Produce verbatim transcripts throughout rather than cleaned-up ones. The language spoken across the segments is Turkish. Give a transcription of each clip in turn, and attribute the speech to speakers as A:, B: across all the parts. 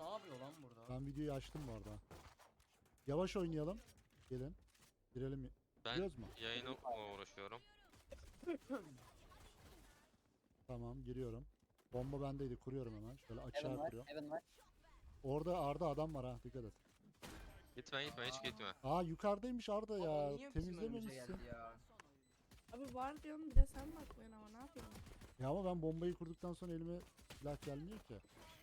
A: ne yapıyor lan burada?
B: Ben videoyu açtım bu arada. Yavaş oynayalım. Gelin. Girelim.
C: Ben
B: Giriyoruz mu?
C: yayınla uğraşıyorum.
B: Tamam giriyorum. Bomba bendeydi. Kuruyorum hemen. Şöyle
D: Heaven
B: açığa
D: var.
B: kuruyorum.
D: Heaven var.
B: Orada Arda adam var ha. Dikkat et.
C: Gitme gitme hiç gitme.
B: Aa yukarıdaymış Arda
A: Aa,
B: ya.
A: niye bizim önümüze
B: Temizlememişsin.
A: geldi ya?
E: Abi var diyorum bir de sen bakmıyorsun ama ne yapıyorsun?
B: Ya ama ben bombayı kurduktan sonra elime silah gelmiyor ki.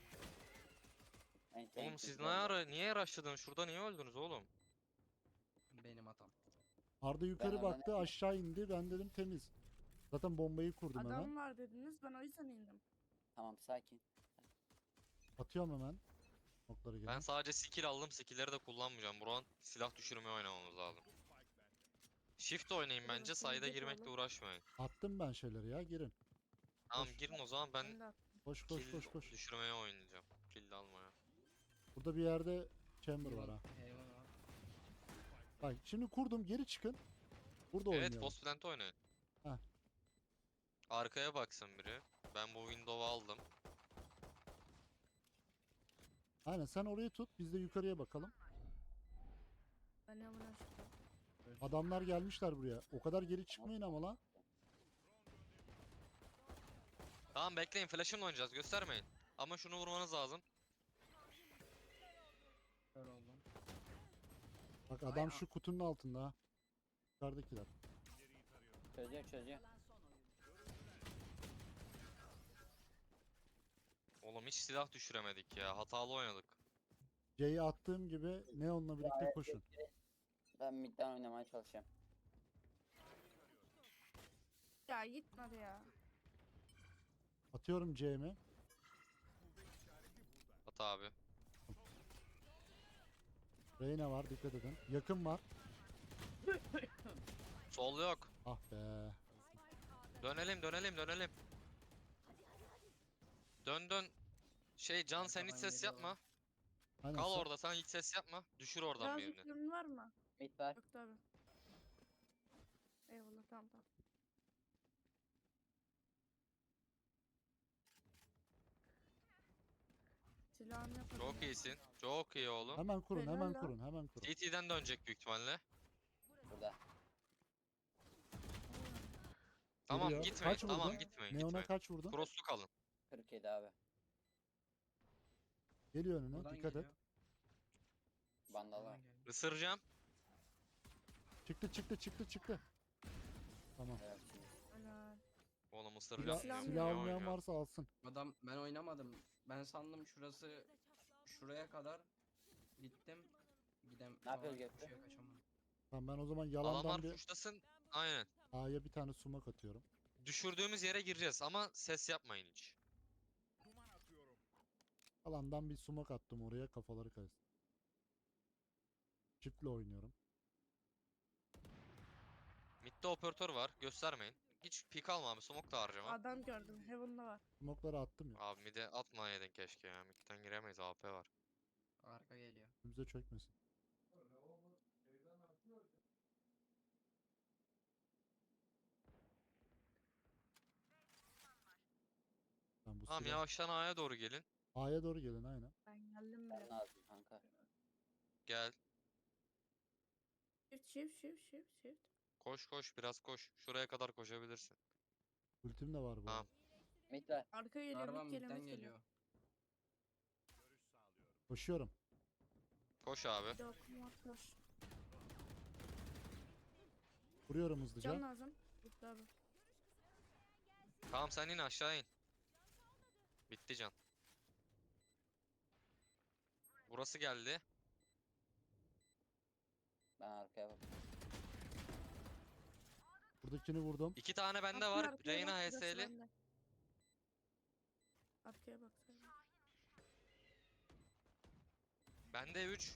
D: Ben
C: Oğlum siz ne ara niye rushladınız? Şurada niye öldünüz oğlum?
A: Benim hatam.
B: Arda yukarı
D: Ben
B: baktı
D: oradan-
B: aşağı indi. Ben dedim temiz. Zaten bombayı kurdum
E: Adam
B: hemen.
E: var dediniz ben o yüzden indim.
D: Tamam sakin.
B: Atıyorum hemen. Noktaları
C: Ben
B: gelen.
C: sadece skill aldım. Skill'leri de kullanmayacağım. Buran silah düşürmeye oynamamız lazım. Shift oynayın bence.
E: Evet,
C: Sayda
E: yiyecek
C: girmekle
E: oğlum.
C: uğraşmayın.
B: Attım ben şeyleri ya girin.
C: Tamam
B: Koş.
C: girin o zaman ben
E: Ben de attım.
B: Koş koş
C: kill
B: koş koş.
C: düşürmeye oynayacağım. Kill de almaya.
B: Burada bir yerde chamber var ha.
A: Heaven var.
B: Bak şimdi kurdum geri çıkın. Burada
C: Evet
B: oynayalım.
C: post plant oynayın.
B: Heh.
C: Arkaya baksın biri. Ben bu window'u aldım.
B: Aynen sen orayı tut biz de yukarıya bakalım.
E: Ben hemen açtım.
B: Adamlar gelmişler buraya. O kadar geri çıkmayın ama lan.
C: Tamam bekleyin flash'ımla oynayacağız göstermeyin. Ama şunu vurmanız lazım.
A: Kör oldum.
B: Bak adam şu kutunun altında ha. Yukarıdakiler.
D: Çözüyor çözüyor.
C: Oğlum hiç silah düşüremedik ya. Hatalı oynadık.
B: C'yi attığım gibi Neon'la birlikte koşun.
D: Ben midden oynamaya çalışıyorum.
E: Ya gitmedi ya.
B: Atıyorum C'mi.
C: Hata abi.
B: Reyna var dikkat edin. Yakın var.
C: Sol yok.
B: Ah be.
C: Dönelim dönelim dönelim. Dön dön. Şey Can sen hiç
A: Arkadan
C: ses
A: geliyorlar.
C: yapma.
B: Aynen,
C: Kal
B: sen-
C: orada sen hiç ses yapma. Düşür oradan
E: Biraz
C: birini.
E: yüklemin var mı?
D: Mid var.
E: Yok tabi. Eyvallah tamam tamam. Silahını yapalım.
C: Çok iyisin. Çok iyi oğlum.
B: Hemen kurun
E: Helal
B: hemen
E: lan.
B: kurun hemen kurun.
C: C T'den dönecek büyük ihtimalle.
D: Burada.
C: Tamam
B: Geliyor.
C: gitmeyin.
B: Kaç
C: Tamam
B: vurdun?
C: gitmeyin.
B: Neon'a
C: gitmeyin.
B: kaç vurdun?
C: Cross'lu kalın.
D: kırk yedi abi.
B: Geliyor önüne
A: Buradan
B: dikkat et.
A: geliyor.
D: Vandal var.
A: Buradan geliyor.
C: Isıracağım.
B: Çıktı çıktı çıktı çıktı. Tamam.
D: Evet, şimdi.
E: Helal.
C: Oğlum
B: Silah,
C: ısıracağım.
E: Silah-
C: diyorum,
B: silah
C: ne
B: almayan
C: oynuyor?
B: varsa alsın.
A: Adam ben oynamadım. Ben sandım şurası şuraya kadar gittim. Gidem.
D: Ne yapıyor
A: Aa,
D: Göktuğ?
A: şuraya kaçamadım.
B: Tamam ben o zaman yalandan
C: Adamlar
B: bir
C: puşlasın. Aynen.
B: A'ya bir tane sumak atıyorum.
C: Düşürdüğümüz yere gireceğiz ama ses yapmayın hiç.
B: Yalandan bir sumak attım oraya kafaları karıştı. Çiftle oynuyorum.
C: Mid'de operatör var. Göstermeyin. Hiç pik alma abi. Smoke da harcama.
E: Adam gördüm. Heaven'da var.
B: Sumokları attım ya.
C: Abi mid'e atmayaydın keşke ya. Mid'den giremeyiz. A P var.
A: Arka geliyor.
B: Önümüze çökmesin. Tamam bu
C: Tamam
B: silah.
C: yavaştan A'ya doğru gelin.
B: A'ya doğru gelin aynen.
E: Ben geldim
D: Ben
E: bile.
D: lazım kanka.
C: Gel.
E: Shift shift shift shift shift.
C: Koş koş biraz koş. Şuraya kadar koşabilirsin.
B: Ultim de var bu.
C: Tamam.
B: arada.
D: Mid var.
E: Arka geliyor.
A: Araba
E: Mid geliyor.
A: midden
E: Mid geliyor.
A: geliyor.
B: Koşuyorum.
C: Koş abi.
E: Bir de okum var. Koş.
B: Vuruyorum hızlıca.
E: Can lazım. Bitti abi.
C: Tamam sen in aşağı in. Bitti can. Burası geldi.
D: Ben arkaya bak.
B: Buradakini vurdum.
C: İki tane bende
E: Arkaya,
C: var.
E: arkaya
C: Reyna
E: bak, burası
C: H S'li.
E: bende. Arkaya bak sen.
C: Bende üç.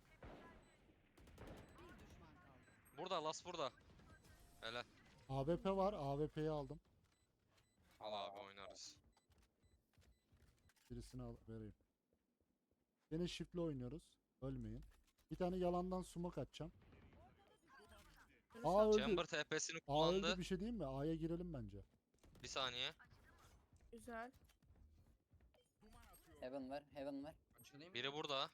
C: Burada las burada. Helal.
B: A W P var. A W P'yi aldım.
C: Al abi oynarız.
B: Birisini al vereyim. Yine shift'le oynuyoruz. Ölmeyin. Bir tane yalandan sumak atacağım. A öldü.
C: Chamber T P'sini
B: A öldü
C: kullandı.
B: bir şey diyeyim mi? A'ya girelim bence.
C: Bir saniye.
E: Güzel.
D: Heaven Heaven var. Heaven var.
A: Açılayım mı?
C: Biri burada.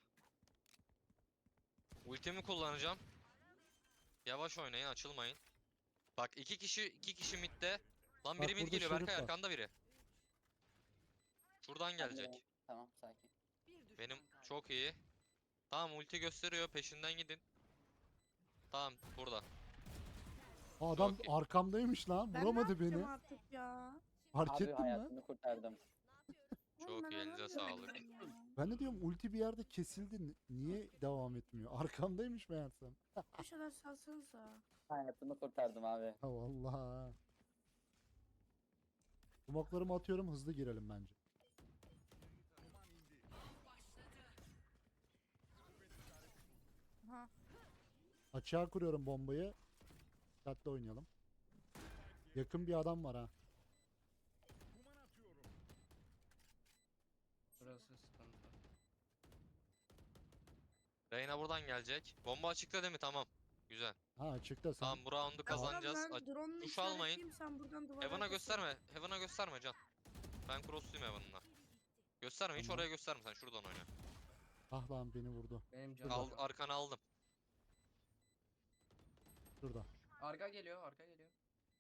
C: Ultimi kullanacağım. Yavaş oynayın, açılmayın. Bak iki kişi iki kişi midde. Lan
B: Bak
C: biri mid
B: burada
C: geliyor
B: Şerif
C: Berkay
B: var.
C: arkanda biri. Şuradan
D: Ben de-
C: gelecek.
D: Tamam sakin.
C: Benim çok iyi. Tamam ulti gösteriyor peşinden gidin. Tamam burada.
B: Aa, adam
C: Çok iyi.
B: arkamdaymış lan.
E: Ben
B: Vuramadı
E: ne yapacağım
B: beni.
E: artık ya?
B: Fark
D: Abi
B: ettin mi?
D: hayatını kurtardım.
E: Oğlum
C: Çok
E: ben
C: iyi, elinize
E: anlamıyorum
C: sağlık.
E: ya.
B: Ben de diyorum ulti bir yerde kesildi. Ni- Niye devam etmiyor? Arkamdaymış meğersem.
E: Bir şeyler salsanıza.
D: Hayatını kurtardım abi.
B: Ha vallahi. Smoke'larımı atıyorum, hızlı girelim bence.
E: Ha.
B: Açığa kuruyorum bombayı. Dikkatli oynayalım. Yakın bir adam var ha.
A: Burası sıkıntı.
C: Reyna buradan gelecek. Bomba açıkta değil mi? Tamam. Güzel.
B: Ha açıkta sen.
C: Tamam bu round'u kazanacağız.
E: Tamam,
C: Aç-
E: ben drone'unu
C: Duş almayın.
E: işaretleyeyim, sen buradan duvara
C: Heaven'a
E: kesin.
C: gösterme. Heaven'a gösterme Can. Ben crossluyum Heaven'la. Gösterme hiç
B: Tamam.
C: oraya gösterme sen şuradan oyna.
B: Ah lan beni vurdu.
A: Benim canım.
C: Al,
A: yok.
C: arkana aldım.
B: Şurada.
A: Arka geliyor, arka geliyor.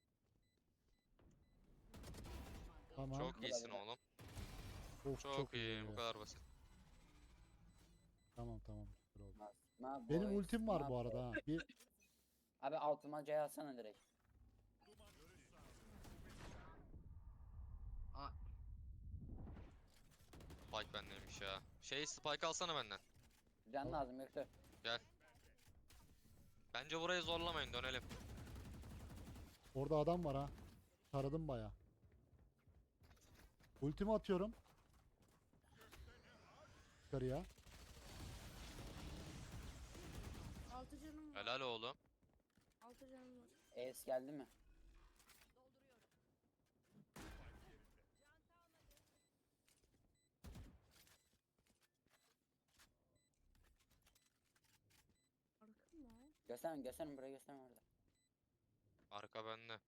B: Tamam.
C: Çok iyisin oğlum.
B: Of,
C: Çok, iyi. Bu kadar basit.
B: Tamam tamam. Süper oldu.
D: Ma
B: Benim
D: boys,
B: ultim var
D: ma
B: bu arada ha. Bir
D: Abi altıma C alsana direkt.
A: Aa,
C: Spike bendeymiş ya. Şey Spike alsana benden.
D: Can lazım yoksa.
C: Bence burayı zorlamayın dönelim.
B: orada adam var ha. Taradım baya. Ultimi atıyorum. Yukarıya.
E: Altı canım var.
C: Helal oğlum.
E: Altı canım var.
D: Ace geldi mi?
E: Arka mı?
D: Gösterme gösterme buraya gösterme orada.
C: Arka bende.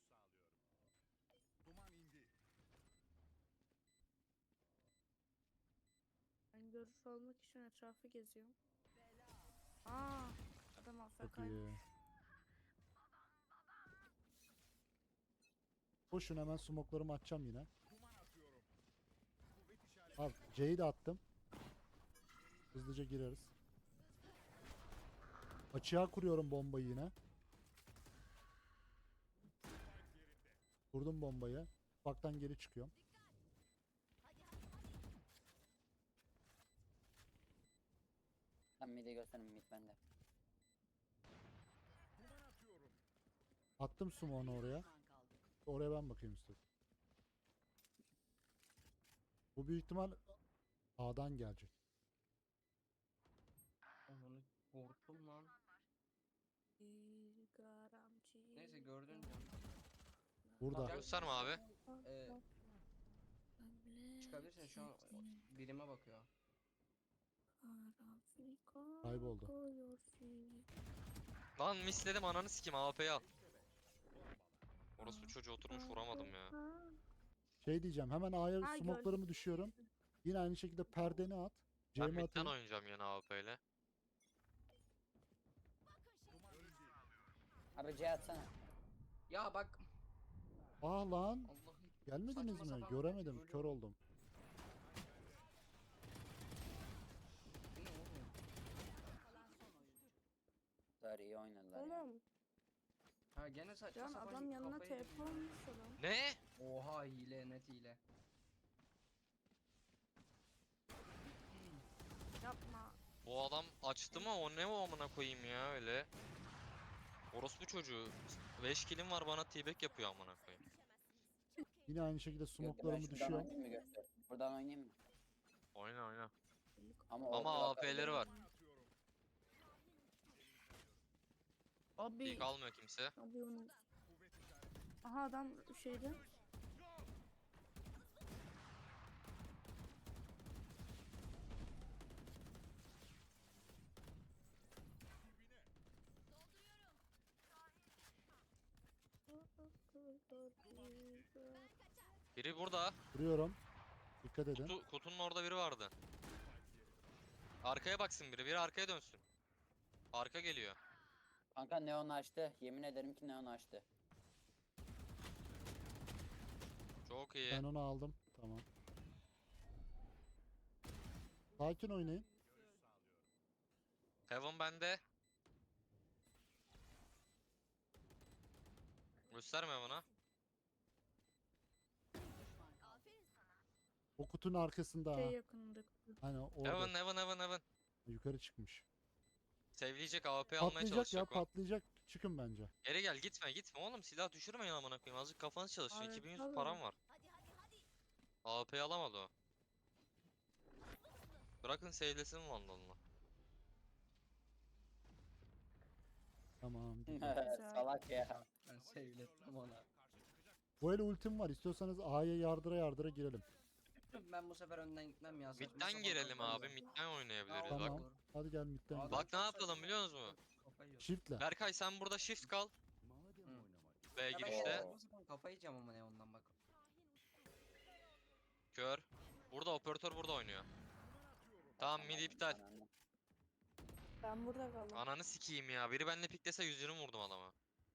E: Ben görüş almak için etrafı geziyorum. Aa, adam
B: Çok
E: Afrika'ymış.
B: iyi. Koşun, hemen smoke'larımı atacağım yine. Al C'yi de attım. Hızlıca gireriz. Açığa kuruyorum bombayı yine. Kurdum bombayı. Baktan geri çıkıyorum.
D: Sen mid'i gösterme mid bende.
B: Attım smoke'unu oraya. Oraya ben bakayım istedim. Bu büyük ihtimal A'dan gelecek.
A: onu korktum lan. Neyse gördün canım.
B: Burada.
A: Gel.
C: Gösterme abi.
A: Ee, çıkabilirsin şu an birime bakıyor.
B: Kayboldu.
C: Lan misledim ananı sikim A P'yi al. Orası bu çocuğu oturmuş vuramadım ya.
B: Şey diyeceğim, hemen A'ya
E: Ha,
B: smoke'larımı düşüyorum. Yine aynı şekilde perdeni at.
C: Ben
B: C'mi
C: midden
B: atayım.
C: oynayacağım yine A P ile.
D: Abi C atsana.
A: Ya bak.
B: Ah lan.
A: Allah'ım.
B: Gelmediniz
A: Saçma
B: mi?
A: sapan
B: Göremedim.
A: böyle-
B: Kör oldum.
A: Bu ne oğlum?
D: Zar iyi oynadılar ya.
E: Oğlum,
A: Ha gene saçma
E: Can
A: sapan
E: adam yanına
A: kafayı-
E: T P olmuş adam.
C: Ne?
A: Oha hile, net hile.
E: Yapma.
C: Bu adam açtı mı o ne o amına koyayım ya öyle. Orospu çocuğu. beş kilim var bana T-back yapıyor amına koyayım.
B: Yine aynı şekilde
D: Yok, ben
B: smoke'larımı
D: şuradan
B: düşüyorum.
D: oynayayım mı göster? Buradan oynayayım mı?
C: Oyna oyna.
D: Ama,
C: Ama
D: orada
C: A P'leri var.
E: Abi,
C: İlk almıyor kimse.
E: abi onu. Aha adam şeyde.
C: Biri burada.
B: Vuruyorum. Dikkat edin.
C: Kutu, kutunun orada biri vardı. Arkaya baksın biri. Biri arkaya dönsün. Arka geliyor.
D: Kanka neon açtı. Yemin ederim ki neon açtı.
C: Çok iyi.
B: Ben onu aldım. Tamam. Sakin oynayın.
C: Heaven bende. Gösterme bana.
B: O kutunun arkasında ha.
E: Şey yakınında.
B: Hani orada.
C: Heaven, heaven, heaven, heaven.
B: Yukarı çıkmış.
C: Sevleyecek, A W P almaya
B: Patlayacak ya,
C: çalışacak o.
B: patlayacak. Çıkın bence.
C: Geri gel, gitme, gitme oğlum. Silah düşürmeyin amına koyayım. Azıcık kafanız çalışsın.
E: Evet,
C: iki bin yüz
E: tabii.
C: param var. A W P'yi alamadı o. Bırakın sevlesin Vandal'ını.
B: Tamam. güzel.
D: Salak ya.
A: Ben sevlettim ona.
B: Bu el ultim var. İstiyorsanız A'ya yardıra yardıra girelim.
A: Ben bu sefer önden gitmem ya. saçma
C: Mid'den
A: sapan
C: girelim
A: oyunlar
C: abi.
A: ya.
C: Mid'den oynayabiliriz
A: Tamam.
C: bak.
A: Olur.
B: Hadi gel midden
A: Adam
B: gidelim.
C: Bak ne
A: çok
C: yapalım
A: saçma
C: biliyor
A: ya.
C: musun?
A: Kafayı yiyor.
B: Shift'le.
C: Berkay sen burada shift kal.
A: Hı.
C: B
A: Ya ben
C: girişte.
A: saçma sapan kafayı yiyeceğim ama ne ondan bak.
C: Kör. Burada operatör burada oynuyor. Tamam mid iptal.
D: Ananı.
E: Ben burada kaldım.
C: Ananı sikeyim ya. Biri benimle piklese yüz yirmi vurdum adama.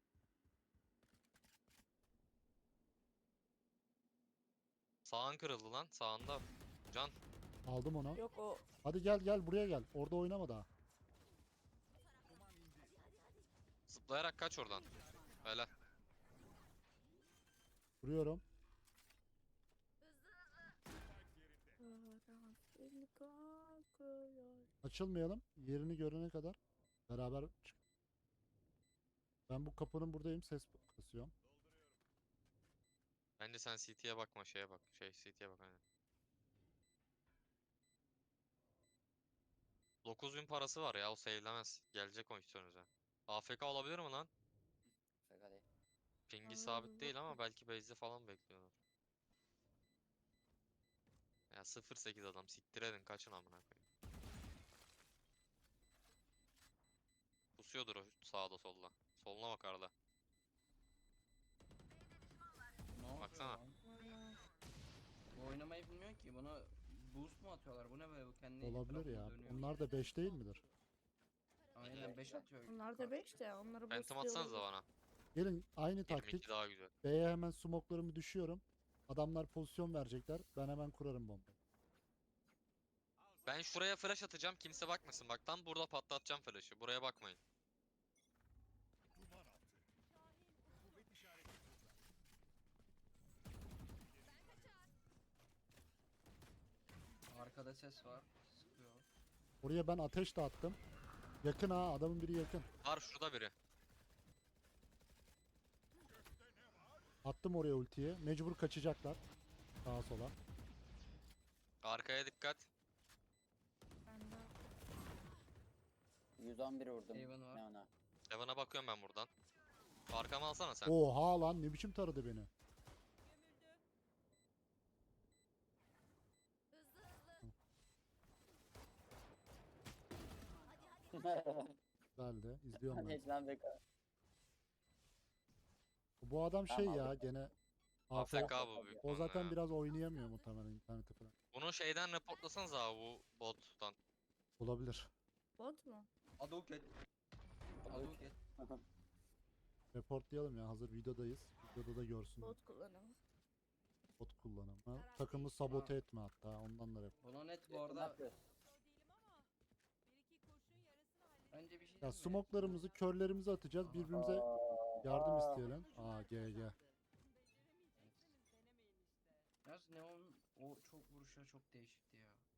C: Sağın kırıldı lan. Sağında. Can.
B: Aldım onu.
E: Yok o
B: Hadi gel gel buraya gel. Orada oynama daha.
C: Zıplayarak kaç oradan. Helal.
B: Vuruyorum.
E: Beni kalkıyor.
B: Açılmayalım. Yerini görene kadar beraber çık. Ben bu kapının buradayım. Ses kasıyorum.
C: Bence sen C T'ye bakma şeye bak. Şey C T'ye bak aynen. dokuz bin parası var ya o sevilemez. Gelecek o üstünüze. A F K olabilir mi lan?
D: Şaka değil.
C: Pingi
E: Abi,
C: sabit değil ama
E: bakayım.
C: belki base'de falan bekliyorlar. Ya sıfır sekiz adam siktir edin kaçın amına koyayım. Pusuyordur o sağda solda. Soluna bak Arda.
A: Ne oluyor
C: Baksana.
A: lan? Bu oynamayı bilmiyor ki. Buna boost mu atıyorlar? Bu ne böyle? Bu kendi
B: Olabilir
A: etrafında
B: ya.
A: dönüyor.
B: Onlar da beş değil midir?
A: Aynen beş atıyor.
E: Onlar da beş de onları
C: Phantom
E: boostluyor
C: atsanıza
E: olabilir.
C: bana.
B: Gelin aynı
C: yirmi
B: taktik.
C: iki daha güzel.
B: B'ye hemen smoklarımı düşüyorum. Adamlar pozisyon verecekler. Ben hemen kurarım bomba.
C: Ben şuraya flash atacağım kimse bakmasın. Bak tam burada patlatacağım flash'ı. Buraya bakmayın.
A: Arkada ses var. Sıkıyor.
B: Oraya ben ateş de attım. Yakın ha, adamın biri yakın.
C: Var şurada biri.
B: Attım oraya ultiyi. Mecbur kaçacaklar. Sağa sola.
C: Arkaya dikkat.
E: Ben de
D: yüz on bir vurdum.
A: Haven var.
D: Neon'a.
C: Evan'a bakıyorum ben buradan. Arkamı alsana sen.
B: Oha lan, ne biçim taradı beni. Güzeldi. İzliyorum ben.
D: Geç lan Beko.
B: Bu adam şey
D: Tamam,
B: ya
D: aldım.
B: gene
C: A F
B: A F K.
C: K bu büyük
B: O
C: ihtimalle
B: zaten
C: ya.
B: biraz oynayamıyor muhtemelen interneti falan.
C: Bunu şeyden reportlasanız abi bu bottan.
B: Olabilir.
E: bot mu?
A: Aduket. Aduket.
B: Reportlayalım ya, hazır videodayız. Videoda da görsünler.
E: Bot kullanımı.
B: Bot kullanım. Ha, takımı sabote etme hatta, ondan da report.
A: Bunu net bu
D: Ne
A: arada.
D: yapıyorsun?
A: Önce bir şey
B: Ya
A: diyeyim mi?
B: smoklarımızı, körlerimizi atacağız. Birbirimize yardım isteyelim. Aa G G.
A: Yalnız Neon o çok vuruşları çok değişikti ya.